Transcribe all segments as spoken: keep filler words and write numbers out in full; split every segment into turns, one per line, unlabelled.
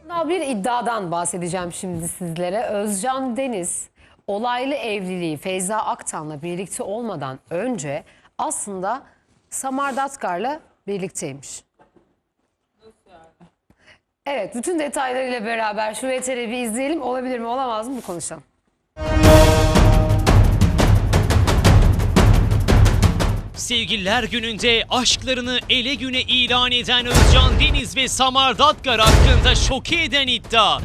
Bir iddiadan bahsedeceğim şimdi sizlere. Özcan Deniz olaylı evliliği Feyza Aktan'la birlikte olmadan önce aslında Samar Datkar'la birlikteymiş. Evet, bütün detaylarıyla beraber şu V T R'yi bir izleyelim. Olabilir mi, olamaz mı, bu konuşalım.
Sevgililer Günü'nde aşklarını ele güne ilan eden Özcan Deniz ve Samar Datkar hakkında şoke eden iddia.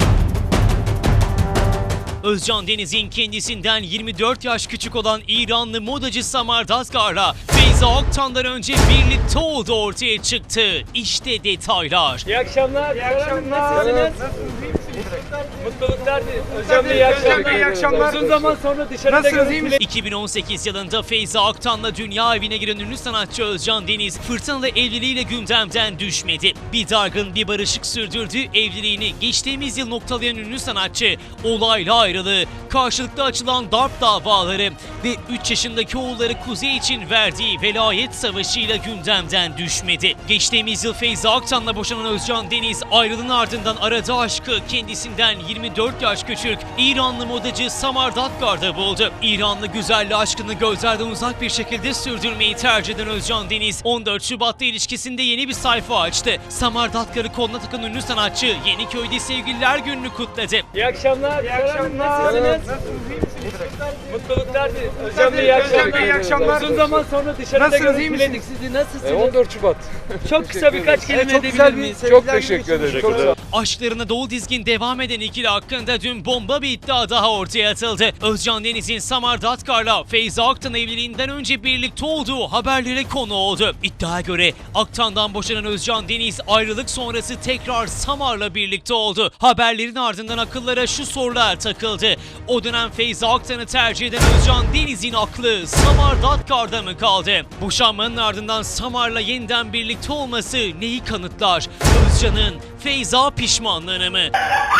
Özcan Deniz'in kendisinden yirmi dört yaş küçük olan İranlı modacı Samar Datkar'la Feyza Aktan'dan önce birlikte olduğu ortaya çıktı. İşte detaylar.
İyi akşamlar. İyi akşamlar. Nasılsınız? Mutluluklar dilerim. Hocam iyi akşamlar. İyi akşamlar. Uzun zaman sonra dışarıda görüntüle...
iki bin on sekiz yılında Feyza Aktan'la dünya evine giren ünlü sanatçı Özcan Deniz fırtınalı evliliğiyle gündemden düşmedi. Bir dargın bir barışık sürdürdüğü evliliğini geçtiğimiz yıl noktalayan ünlü sanatçı olayla ayrılığı, karşılıklı açılan darp davaları ve üç yaşındaki oğulları Kuzey için verdiği velayet savaşıyla gündemden düşmedi. Geçtiğimiz yıl Feyza Aktan'la boşanan Özcan Deniz ayrılığın ardından aradığı aşkı kendisinden yirmi dört yaş küçük İranlı modacı Samar Datkar'da buldu. İranlı güzelliği aşkını gözlerden uzak bir şekilde sürdürmeyi tercih eden Özcan Deniz on dört Şubat'ta ilişkisinde yeni bir sayfa açtı. Samar Datkar'ı koluna takan ünlü sanatçı Yeniköy'de Sevgililer Günü'nü kutladı.
İyi akşamlar. İyi akşamlar. Nasılsınız? Mutluluklar dilerim. Hocam iyi akşamlar. İyi akşamlar. Uzun zaman sonra dışarıda görüntüledik sizi. Nasılsınız?
on dört Şubat.
Çok kısa birkaç kelime edebilir miyiz?
Çok teşekkür ederim. Çok sağ
Aşklarına dolu dizgin devam eden ikili hakkında dün bomba bir iddia daha ortaya atıldı. Özcan Deniz'in Samar Datkar'la Feyza Aktan evliliğinden önce birlikte olduğu haberlere konu oldu. İddiaya göre Aktan'dan boşanan Özcan Deniz ayrılık sonrası tekrar Samar'la birlikte oldu. Haberlerin ardından akıllara şu sorular takıldı. O dönem Feyza Aktan'ı tercih eden Özcan Deniz'in aklı Samar Datkar'da mı kaldı? Boşanmanın ardından Samar'la yeniden birlikte olması neyi kanıtlar? Özcan'ın Feyza pişmanlığını mı?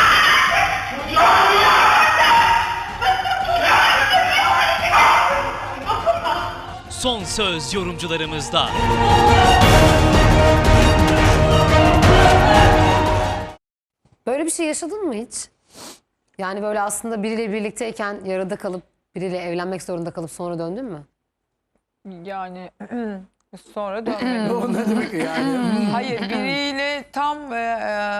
Son söz yorumcularımızda.
Böyle bir şey yaşadın mı hiç? Yani böyle aslında biriyle birlikteyken yarıda kalıp biriyle evlenmek zorunda kalıp sonra döndün mü?
Yani sonra dönmedim. Hayır, biriyle tam e,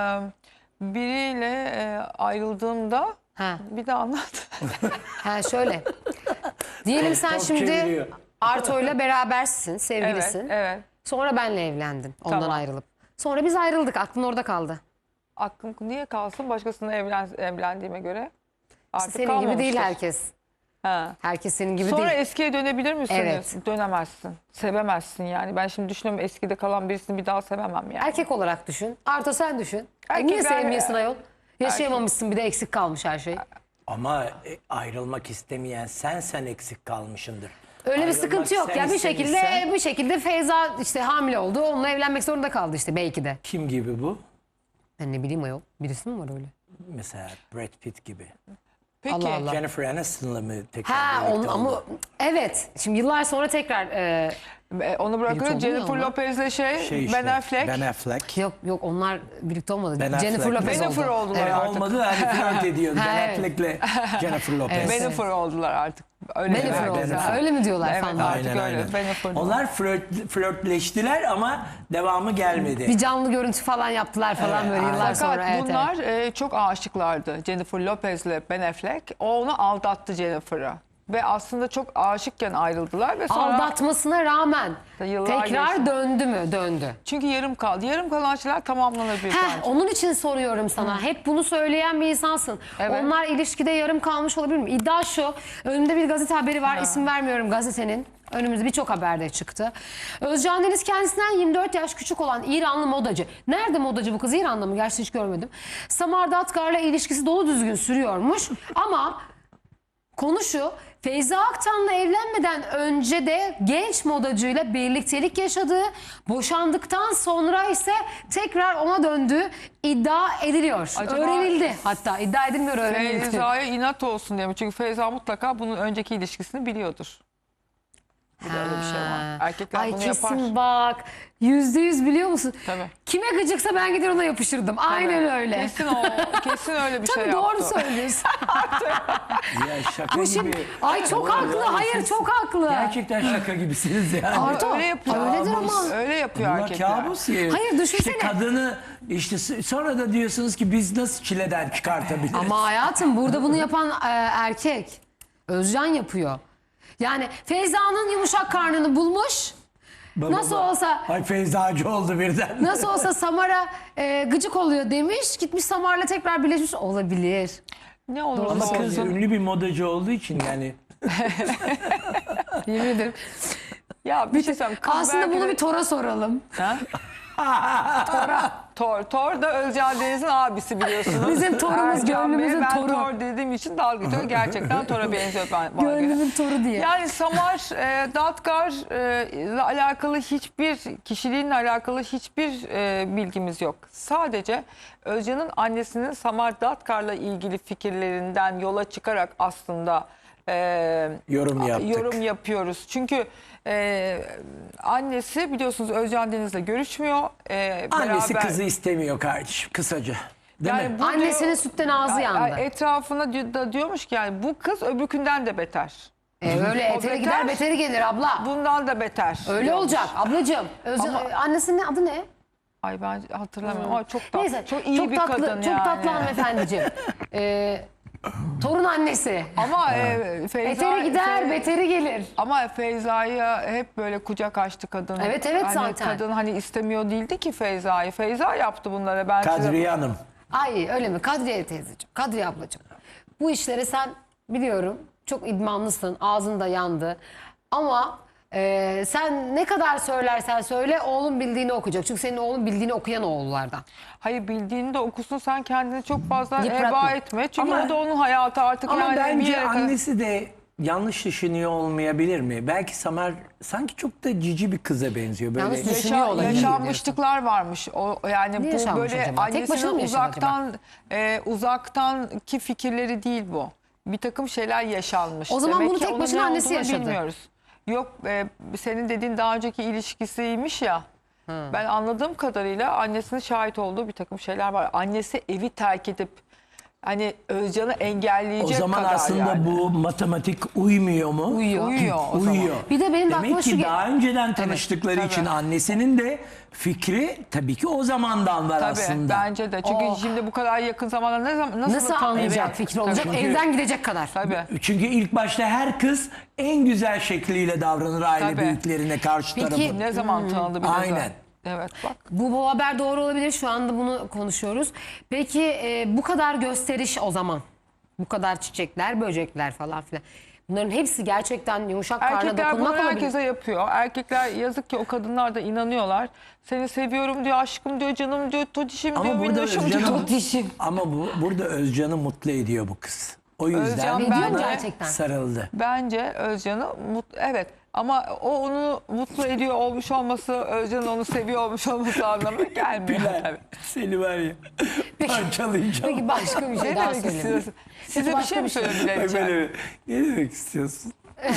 e, biriyle e, ayrıldığımda
Ha.
bir de anlat.
Ha şöyle. Diyelim sen şimdi Arto'yla berabersin,
Evet,
sevgilisin.
evet.
Sonra benle evlendin ondan
Tamam.
ayrılıp. Sonra biz ayrıldık, aklın orada kaldı.
Aklım niye kalsın başkasına evlen, evlendiğime göre? Artık
Senin gibi değil
kalmamıştır.
herkes.
Ha.
Herkes senin gibi
Sonra
değil.
eskiye dönebilir misiniz?
Evet.
Dönemezsin. Sevemezsin yani. Ben şimdi düşünüyorum, eskide kalan birisini bir daha sevemem yani.
Erkek olarak düşün. Arto sen düşün. E
Erkekler-
niye sevmiyorsun ayol? Yaşayamamışsın, bir de eksik kalmış her şey.
Ama e, ayrılmak istemeyen sen sen eksik kalmışındır.
Öyle bir
Ayrılmak
sıkıntı yok
sen
ya, bir şekilde
istemişsen-
bir şekilde Feyza işte hamile oldu. Onunla evlenmek zorunda kaldı işte belki de.
Kim gibi bu?
Ben ne bileyim ayol. Birisi mi var öyle?
Mesela Brad Pitt gibi.
Peki.
Allah Allah.
Jennifer Aniston'la mı tekrar
Ha
birlikte
onun,
oldu?
ama evet. Şimdi yıllar sonra tekrar e,
E, Onu
Birlikte
bırakın
oldu
Jennifer
ya onlar.
Lopez'le şey,
Şey işte,
Ben Affleck.
Ben Affleck.
yok yok onlar birlikte olmadı.
Ben
Jennifer
Affleck.
Lopez
Jennifer
oldu.
oldular
Evet,
artık.
olmadı hani flört ediyordu.
Ha,
Ben
evet.
Affleck'le Jennifer Lopez.
Evet.
Bennifer oldular artık. Öyle
Bennifer
diyorlar.
oldu.
Bennifer.
Öyle mi diyorlar
Evet,
falan?
artık
Aynen,
öyle.
aynen.
Bennifer.
Onlar flört, flörtleştiler ama devamı gelmedi.
Bir canlı görüntü falan yaptılar falan
Evet,
böyle
aynen.
yıllar
Fakat
sonra. Evet,
bunlar
evet.
e, çok aşıklardı. Jennifer Lopez'le Ben Affleck. O onu aldattı Jennifer'ı. Ve aslında çok aşıkken ayrıldılar ve sonra
Aldatmasına rağmen
Yıllar
tekrar
geçti.
döndü mü? Döndü.
çünkü yarım kaldı. Yarım kalan şeyler tamamlanabilir
Heh,
bence.
onun için soruyorum sana. Hep bunu söyleyen bir insansın.
Evet.
Onlar ilişkide yarım kalmış olabilir mi? İddia şu. Önümde bir gazete haberi var. İsim vermiyorum gazetenin. Önümüzde birçok haberde çıktı. Özcan Deniz kendisinden yirmi dört yaş küçük olan İranlı modacı. Nerede modacı bu kız? İran'da mı? Gerçi hiç görmedim. Samar Datkar'la ilişkisi dolu düzgün sürüyormuş. Ama konu şu. Feyza Aktan'la evlenmeden önce de genç modacıyla birliktelik yaşadığı, boşandıktan sonra ise tekrar ona döndüğü iddia ediliyor.
Acaba-
Öğrenildi hatta. iddia edilmiyor, öğrenildi.
Feyza'ya inat olsun diye mi? Çünkü Feyza mutlaka bunun önceki ilişkisini biliyordur. Bir de öyle bir şey var.
Ha.
Erkekler
Ay
bunu
kesin
yapar.
bak. Yüzde yüz biliyor musun?
Tabii.
Kime gıcıksa ben gider ona yapıştırdım. Aynen öyle.
Kesin o, kesin öyle bir
Tabii
şey
doğru
yaptı.
söylüyorsun.
Ya şaka
Bu şimdi,
gibi.
ay çok haklı. Hayır çok haklı.
Gerçekten şaka gibisiniz yani.
Arto,
öyle yapıyor.
öyledir ama.
Öyle yapıyor
Bunlar
erkekler.
kabus ya.
Hayır, düşünsene.
İşte kadını işte s- sonra da diyorsunuz ki biz nasıl çileden çıkartabiliriz?
Ama hayatım burada bunu yapan e, erkek. Özcan yapıyor. Yani Feyza'nın yumuşak karnını bulmuş.
Baba,
Nasıl
baba.
olsa
Ay Feyzacı oldu birden.
nasıl olsa Samar'a e, gıcık oluyor demiş. Gitmiş Samar'la tekrar birleşmiş olabilir.
Ne olursa
Ama
olsun.
kız ünlü bir modacı olduğu için yani.
Yemin ederim.
Ya bir şey söyleyeyim. Kız
Aslında
belki
bunu
de-
bir Tor'a soralım.
Tor. Tor da Özcan Deniz'in abisi biliyorsunuz.
Bizim Tor'umuz,
Erkan Bey.
gönlümüzün
ben
Tor'u.
Tor dediğim için dalga geçiyor. Gerçekten Tor'a benziyor ben, bana göre.
Gönlümün Tor'u diye.
Yani Samar e, Datkar e, ile alakalı hiçbir kişiliğinle alakalı hiçbir e, bilgimiz yok. Sadece Özcan'ın annesinin Samar Datkar'la ilgili fikirlerinden yola çıkarak aslında e,
Yorum yaptık.
yorum yapıyoruz. Çünkü e, annesi biliyorsunuz Özcan Deniz'le görüşmüyor. E,
Annesi
beraber-
kızı istemiyor kardeşim kısaca. Değil
Yani
mi?
bu
Annesinin
diyor-
sütten ağzı
Yani
yandı.
etrafına di- da diyormuş ki yani bu kız öbürkünden de beter.
E, öyle
O
eteri
beter.
gider beteri gelir abla.
Bundan da beter.
Öyle
diyormuş.
olacak ablacığım. Özcan,
Ama-
e, annesinin adı ne?
Ay ben hatırlamıyorum ama çok tatlı.
Neyse
çok iyi bir
tatlı,
kadın
çok
yani.
tatlı hanımefendiciğim. e, torun annesi.
Ama e, Feyza...
Eteri gider
Fe-
beteri gelir.
Ama Feyza'ya hep böyle kucak açtı kadın.
Evet, evet
hani
zaten.
Kadın hani istemiyor değildi ki Feyza'yı. Feyza yaptı bunları. Ben size-
Kadriye Hanım.
Ay öyle mi? Kadriye teyzeciğim, Kadriye ablacığım. Bu işlere sen biliyorum çok idmanlısın, ağzın da yandı. Ama e, sen ne kadar söylersen söyle oğlun bildiğini okuyacak. Çünkü senin oğlun bildiğini okuyan oğullardan.
Hayır bildiğini de okusun sen kendini çok fazla
Yıpratma.
heba etme. Çünkü
Ama-
o da onun hayatı artık
Ama
yani bir
bence
yere kadar-
annesi de yanlış düşünüyor olmayabilir mi? Belki Samer sanki çok da cici bir kıza benziyor. Böyle
Yalnız düşün-
Yaşa-
Düşünüyor olabilir
yaşanmışlıklar varmış. O yani
Ne
bu
yaşanmış
böyle
acaba? Tek başına
annesinin
mı yaşadı
uzaktan e, uzaktanki fikirleri değil bu. Bir takım şeyler yaşanmış.
O zaman
Demek
bunu
ki
tek
onun
başına
ne
annesi
olduğunu
yaşadı.
Bilmiyoruz. Yok e, senin dediğin daha önceki ilişkisiymiş ya. Ben anladığım kadarıyla annesinin şahit olduğu bir takım şeyler var. Annesi evi terk edip hani Özcan'ı
o
engelleyecek
zaman
kadar
aslında
yani.
bu matematik uymuyor mu?
Uyuyor.
Uyuyor o zaman.
Uyuyor.
Bir de benim de
Demek
aklıma şu
ki
ge-
daha önceden tanıştıkları
tabii.
için annesinin de fikri tabii ki o zamandan var
Tabii
aslında.
bence de. Çünkü
Oh.
şimdi bu kadar yakın zamanda ne zaman nasıl,
Nasıl
tan-
anlayacak
Evet.
fikri olacak?
Tabii.
Evden gidecek kadar.
Tabii.
Çünkü ilk başta her kız en güzel şekliyle davranır aile
Tabii.
büyüklerine karşı
Peki,
tarafı.
Ne zaman tanıdı bir de
Aynen.
zaten. Evet bak.
Bu, bu haber doğru olabilir. Şu anda bunu konuşuyoruz. Peki e, bu kadar gösteriş o zaman. Bu kadar çiçekler, böcekler falan filan. Bunların hepsi gerçekten yumuşak karna
Erkekler bunu
dokunmak olabilir.
herkese yapıyor. Erkekler yazık ki o kadınlar da inanıyorlar. Seni seviyorum diyor, aşkım diyor, canım diyor, totişim diyor,
Ama burada
minnoşum diyor.
Özcan'ı
Totişim.
ama bu burada Özcan'ı mutlu ediyor bu kız. O yüzden
Özcan
Ediyor mu
bence,
gerçekten?
sarıldı.
bence Özcan'ı mutlu, evet ama o onu mutlu ediyor olmuş olması, Özcan'ın onu seviyor olmuş olması anlamına gelmiyor
Bilal,
tabii.
seni var ya parçalayacağım.
Peki başka bir şey
Ne
daha
demek
söyleyeyim.
istiyorsun? Size bir
başka
şey mi
bir şey.
Bak
söylediler?
böyle, ne demek istiyorsun?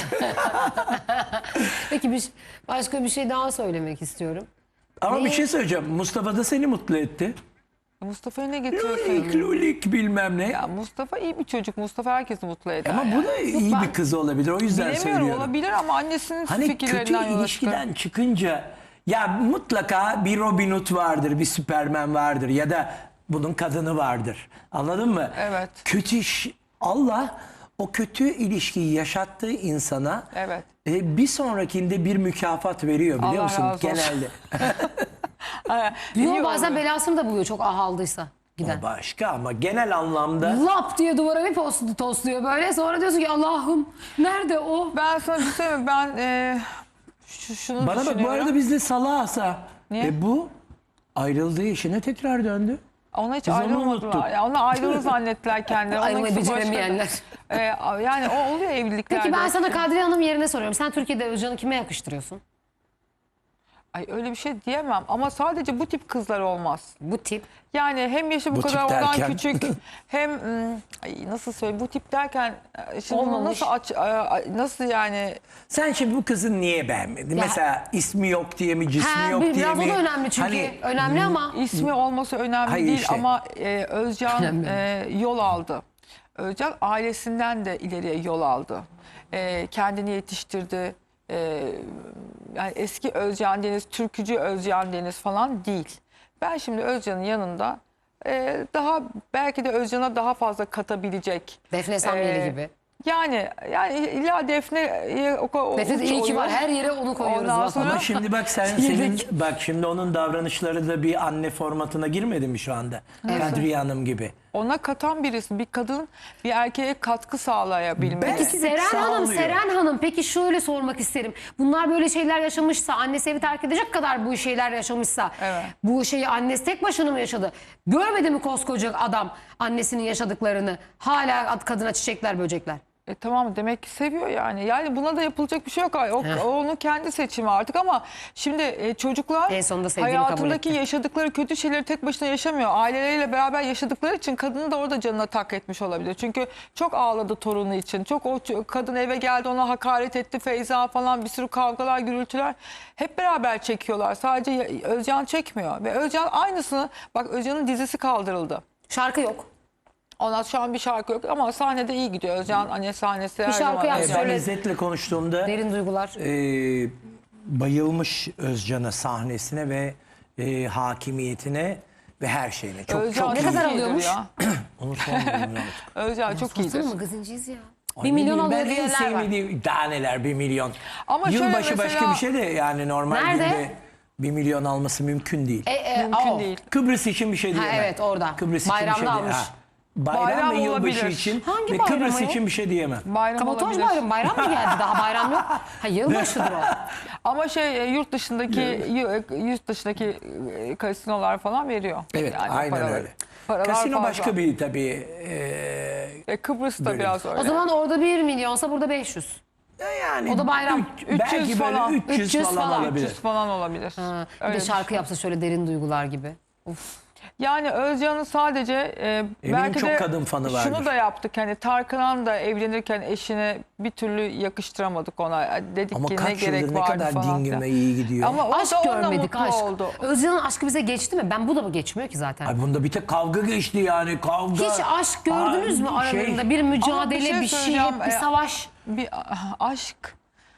Peki bir, başka bir şey daha söylemek istiyorum.
Ama
Neyi?
bir şey söyleyeceğim. Mustafa da seni mutlu etti.
Mustafa'ya ne getiriyorsun?
Lulik lulik bilmem ne.
Ya Mustafa iyi bir çocuk. Mustafa herkesi mutlu eder.
Ama
yani.
bu da iyi bir kız olabilir. O yüzden
Bilemiyorum
söylüyorum.
olabilir ama annesinin
Hani kötü
fikirlerinden yola çıkıyor.
ilişkiden çıkınca ya mutlaka bir Robin Hood vardır, bir Superman vardır ya da bunun kadını vardır. Anladın mı?
Evet.
Kötü iş, Allah o kötü ilişkiyi yaşattığı insana
Evet.
e, bir sonrakinde bir mükafat veriyor biliyor
Allah
musun?
razı olsun.
Genelde.
Ha,
Diyor
iyi
bazen
oluyor.
belasını da buluyor çok ahaldıysa giden.
O başka ama genel anlamda
Lap diye duvara bir postu tosluyor böyle. Sonra diyorsun ki Allah'ım nerede o?
Ben sana bir şey söyleyeyim mi? Ben e, şu, şunu
bana bak bu
düşünüyorum.
arada bizde salağsa
Niye?
e, bu ayrıldığı işine tekrar döndü.
Ona hiç
Biz onu
ayrılmadılar.
unuttuk.
Ya ona ayrılır zannettiler kendileri.
Ayrılmayı
Onunkisi başka.
beceremeyenler.
E, yani o oluyor evliliklerde.
Peki ben sana Kadriye Hanım yerine soruyorum. Sen Türkiye'de Özcan'ı kime yakıştırıyorsun?
Ay öyle bir şey diyemem ama sadece bu tip kızlar olmaz.
Bu tip.
Yani hem yaşı bu,
Bu tip
kadar olan
derken?
küçük hem ım, ay nasıl söyleyeyim bu tip derken e, şimdi bunu
Olmamış.
nasıl aç a- nasıl yani
Sen şimdi bu kızı niye beğenmedin?
Ya-
Mesela ismi yok diye mi, cismi
Ha,
yok
bir-
diye
biraz
mi?
o da önemli çünkü.
Hani,
önemli ama.
ismi olması önemli
Hayır
değil
işte.
ama e, Özcan
Önemli.
e, yol aldı. Özcan ailesinden de ileriye yol aldı. E, kendini yetiştirdi. E, yani eski Özcan Deniz, türkücü Özcan Deniz falan değil. Ben şimdi Özcan'ın yanında e, daha belki de Özcan'a daha fazla katabilecek.
Defne Samyeli
e,
gibi.
Yani yani illa Defne o, o,
Defne de iyi ki var.
oyun.
Her yere onu koyuyoruz.
Ondan
bak.
sonra-
Ama şimdi bak sen senin bak şimdi onun davranışları da bir anne formatına girmedi mi şu anda? Kadriye Hanım gibi.
Ona katan birisi, bir kadın bir erkeğe katkı sağlayabilmeli.
Belki de
Seren Hanım,
sağlıyor.
Seren Hanım peki şöyle sormak isterim. Bunlar böyle şeyler yaşamışsa, annesi evi terk edecek kadar bu şeyler yaşamışsa,
Evet.
bu şeyi annesi tek başına mı yaşadı? Görmedi mi koskoca adam annesinin yaşadıklarını? Hala kadına çiçekler, böcekler.
E, tamam demek ki seviyor yani. Yani buna da yapılacak bir şey yok. O, o onun kendi seçimi artık ama şimdi e, çocuklar
En sonunda sevdiğini kabul
hayatındaki
etti.
yaşadıkları kötü şeyleri tek başına yaşamıyor. Aileleriyle beraber yaşadıkları için kadını da orada canına tak etmiş olabilir. Çünkü çok ağladı torunu için. Çok o ç- kadın eve geldi ona hakaret etti Feyza falan bir sürü kavgalar, gürültüler. Hep beraber çekiyorlar. Sadece ya- Özcan çekmiyor. Ve Özcan aynısını bak Özcan'ın dizisi kaldırıldı.
Şarkı yok.
Ona şu an bir şarkı yok ama sahnede iyi gidiyor. Özcan anne sahnesi her
şarkı
zaman.
yapsın.
E,
Özcan.
ben
Söyle-
İzzet'le konuştuğumda
Derin duygular.
e, bayılmış Özcan'a, sahnesine ve e, hakimiyetine ve her şeyine. Çok
Özcan
çok
Ne
iyi.
kadar
iyidir
alıyormuş?
ya.
Onu sormuyorum artık.
Özcan çok iyidir.
Baksana magazinciyiz ya.
Ay,
Bir
ne
milyon
bileyim,
alıyor
ben en
diyenler var.
sevmediğim daha neler bir milyon.
Ama şöyle
Yılbaşı başka
mesela-
bir şey de yani normal
Nerede?
günde bir milyon alması mümkün değil.
E, e,
Mümkün
o.
değil.
Kıbrıs için bir şey
Ha,
diyemem.
evet, orada.
Kıbrıs
Bayramda
için bir şey
almış.
diyemem. Ha, Bayram,
Bayram
ve yılbaşı
olabilir.
için
Hangi
ve
bayram
Kıbrıs
ayol?
için bir şey diyemem.
Bayram
Kabotaj
olabilir.
bayram, bayram mı geldi? Daha bayram yok. Ha, yılbaşıdır o.
Ama şey e, yurt dışındaki yu- yurt dışındaki e, kasinolar falan veriyor.
Evet,
Yani
aynen
paraları.
öyle.
Paralar
Kasino
fazla.
başka bir tabii. E,
E, Kıbrıs'ta
bölüm.
biraz öyle.
O zaman orada bir milyonsa burada beş yüz.
yani
O da bayram.
üç-
üç
belki
yüz
böyle
falan.
üç yüz,
üç yüz
falan,
falan.
olabilir.
üç yüz falan olabilir.
Ha, bir
Öyle
de
bir
şarkı
şey.
yapsa şöyle derin duygular gibi. Of.
Yani Özcan'ın sadece e, belki
çok
de
kadın fanı
şunu
vardır.
da yaptık. Hani Tarkan'ın da evlenirken eşine bir türlü yakıştıramadık ona. Dedik
Ama
ki ne
kaç
gerek
yıldır ne
vardı
kadar
falan.
dingin
filan.
ve iyi gidiyor.
Ama o
Aşk
da onunla
görmedik
mutlu
aşk.
oldu.
Özcan'ın aşkı bize geçti mi? Ben bu da mı geçmiyor ki zaten?
Ay bunda bir tek kavga geçti yani kavga.
Hiç aşk gördünüz mü
Ay, şey-
aralarında? Bir mücadele,
şey
bir şey,
söyleyeceğim,
bir
e,
savaş.
Bir ah, aşk.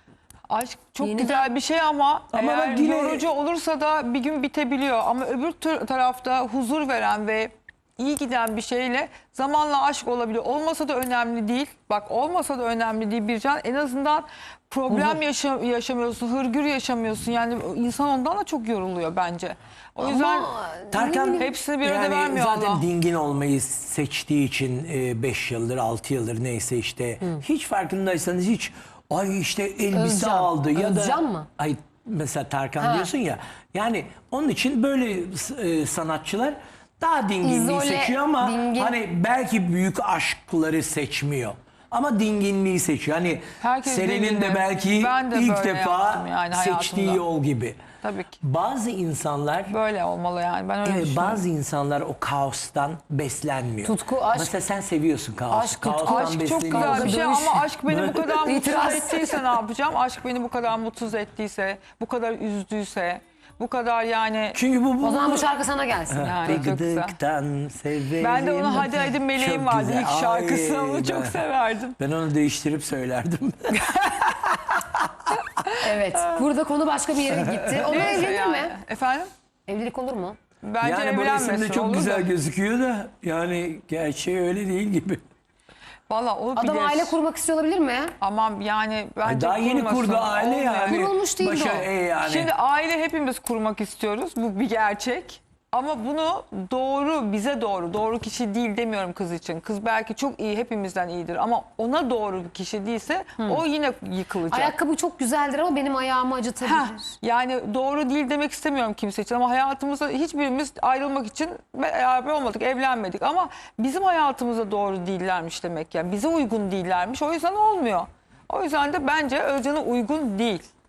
Aşk çok
Yeniden-
güzel bir şey ama,
Ama
eğer
bak yine-
yorucu olursa da bir gün bitebiliyor. Ama öbür tür- tarafta huzur veren ve iyi giden bir şeyle zamanla aşk olabiliyor. Olmasa da önemli değil. Bak olmasa da önemli değil Bircan. En azından problem yaşa- yaşamıyorsun, hırgür yaşamıyorsun. Yani insan ondan da çok yoruluyor bence. O yüzden
Tarkan
hepsini bir arada
yani
vermiyor
zaten
Allah.
dingin olmayı seçtiği için beş yıldır altı yıldır neyse işte hiç farkındaysanız hiç ay işte elbise
Özcan.
aldı ya
Özcan
da
mı?
ay mesela Tarkan
Ha.
diyorsun ya yani onun için böyle e, sanatçılar daha dinginliği
İzole,
seçiyor ama
dingin.
hani belki büyük aşkları seçmiyor. Ama dinginliği seçiyor. Hani
Herkes
Seren'in de
dingindi.
belki
Ben de
ilk
böyle
defa
yaptım yani
seçtiği
hayatımda.
yol gibi.
Tabii ki.
Bazı insanlar
Böyle olmalı yani. Ben öyle
Evet,
düşünüyorum.
bazı insanlar o kaostan beslenmiyor.
Tutku, aşk-
Mesela sen seviyorsun kaosu.
Aşk, tutku,
Kaostan
Aşk çok
besleniyorsun.
güzel bir şey
Dövüş.
ama aşk beni bu kadar mutsuz
İtiraz.
ettiyse ne yapacağım? Aşk beni bu kadar mutsuz ettiyse, bu kadar üzdüyse, bu kadar yani...
Çünkü bu bu.
O zaman bu şarkı sana gelsin.
Yani çok güzel.
Gıdıktan severim.
Ben de onu Hadi Hadi Meleğim
Çok
vardı
güzel.
ilk şarkısı,
Ay,
onu çok
ben-
severdim.
Ben onu değiştirip söylerdim.
Evet. Burada konu başka bir yere gitti. Onu
Neyse
evlenir
yani.
mi?
Efendim?
Evlilik olur mu?
Bence
yani bu
evlenmesin.
resimde çok
olur
güzel
da.
gözüküyor da yani gerçeği öyle değil gibi.
Valla o
Adam
bilir.
aile kurmak istiyor olabilir mi?
Aman yani bence
Ay, daha yeni
kurmasın,
kurdu aile
olmuyor.
yani.
Kurulmuş değil
Başa-
o.
e yani.
Şimdi aile hepimiz kurmak istiyoruz. Bu bir gerçek. Ama bunu doğru, bize doğru, doğru kişi değil demiyorum kız için. Kız belki çok iyi, hepimizden iyidir. Ama ona doğru bir kişi değilse o yine yıkılacak.
Ayakkabı çok güzeldir ama benim ayağımı acıtabilir.
Heh, yani doğru değil demek istemiyorum kimse için. Ama hayatımızda hiçbirimiz ayrılmak için beraber olmadık, evlenmedik. Ama bizim hayatımıza doğru değillermiş demek. Yani bize uygun değillermiş. O yüzden olmuyor. O yüzden de bence Özcan'a uygun değil.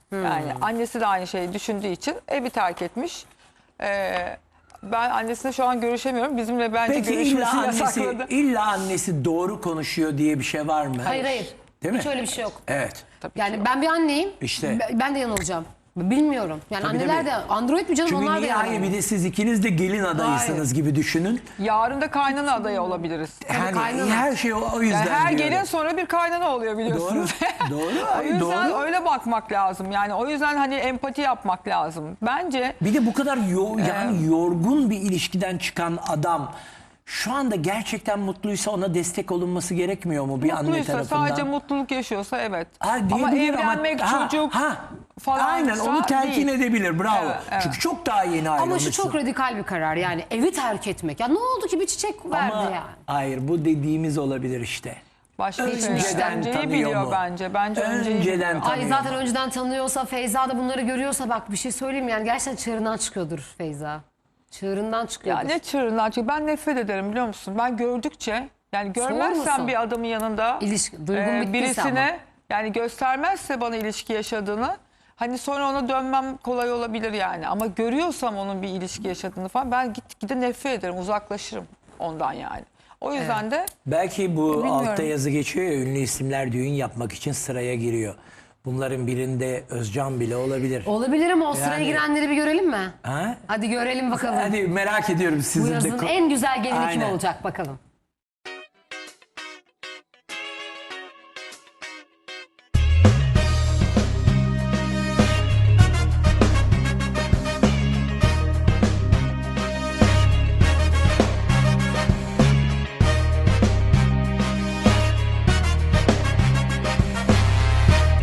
Yani annesi de aynı şeyi düşündüğü için evi terk etmiş. Ee, ben annesine şu an görüşemiyorum. Bizimle bence
Peki illa
görüşmesi
annesi,
yasakladı.
illa annesi doğru konuşuyor diye bir şey var mı?
Hayır hayır.
Değil mi?
Hiç öyle bir şey yok.
Evet.
Yani ben bir anneyim.
İşte.
Ben- Ben de yanılacağım. Bilmiyorum. Yani
Tabii,
anneler
tabii.
de android mi canım,
Çünkü
onlar da
niye hayır
yanılıyor.
bir de siz ikiniz de gelin adayısınız gibi düşünün.
Yarın da kaynana adayı olabiliriz.
Yani
kaynana.
her şey o, o yüzden
Yani her
diyorum.
gelin sonra bir kaynana oluyor
Doğru.
biliyorsunuz.
Doğru.
O
Ay,
yüzden
doğru.
öyle bakmak lazım. Yani o yüzden hani empati yapmak lazım. Bence
Bir de bu kadar yo- yani yorgun bir ilişkiden çıkan adam şu anda gerçekten mutluysa ona destek olunması gerekmiyor mu bir anne
mutluysa,
tarafından?
sadece mutluluk yaşıyorsa evet.
Ha,
Ama
diyebilir
evlenmek,
ha,
çocuk
ha,
falan
aynen onu telkin
değil.
edebilir, bravo.
Evet, evet.
Çünkü çok daha yeni
Ama
ayrılmışsın.
şu çok radikal bir karar yani, evi terk etmek. Ya ne oldu ki bir çiçek verdi
Ama
yani.
hayır, bu dediğimiz olabilir işte.
Başka bir şey.
Önceden
Önceyi
tanıyor
biliyor
mu?
bence. Bence önceyi
Önceden
biliyor.
Ay
tanıyor
zaten
mu?
önceden tanıyorsa, Feyza da bunları görüyorsa, bak bir şey söyleyeyim yani, gerçekten çığırından çıkıyordur Feyza. Çığırından
Ya
çıkıyordur.
ne çığırından çıkıyor. Ben nefret ederim biliyor musun? Ben gördükçe yani görmezsem
musun?
bir adamın yanında
İlişki, duygun
e,
bittiyse
birisine
ama.
yani göstermezse bana ilişki yaşadığını, hani sonra ona dönmem kolay olabilir yani. Ama görüyorsam onun bir ilişki yaşadığını falan, ben git gide nefret ederim, uzaklaşırım ondan yani. O yüzden de
Belki bu
Bilmiyorum.
altta yazı geçiyor ya, ünlü isimler düğün yapmak için sıraya giriyor. Bunların birinde Özcan bile olabilir.
Olabilir ama o sıraya
Yani-
girenleri bir görelim mi?
Ha?
Hadi görelim bakalım.
Hadi merak ediyorum
Bu
sizin de.
yazın
ko-
en güzel gelini kim
Aynen.
olacak bakalım.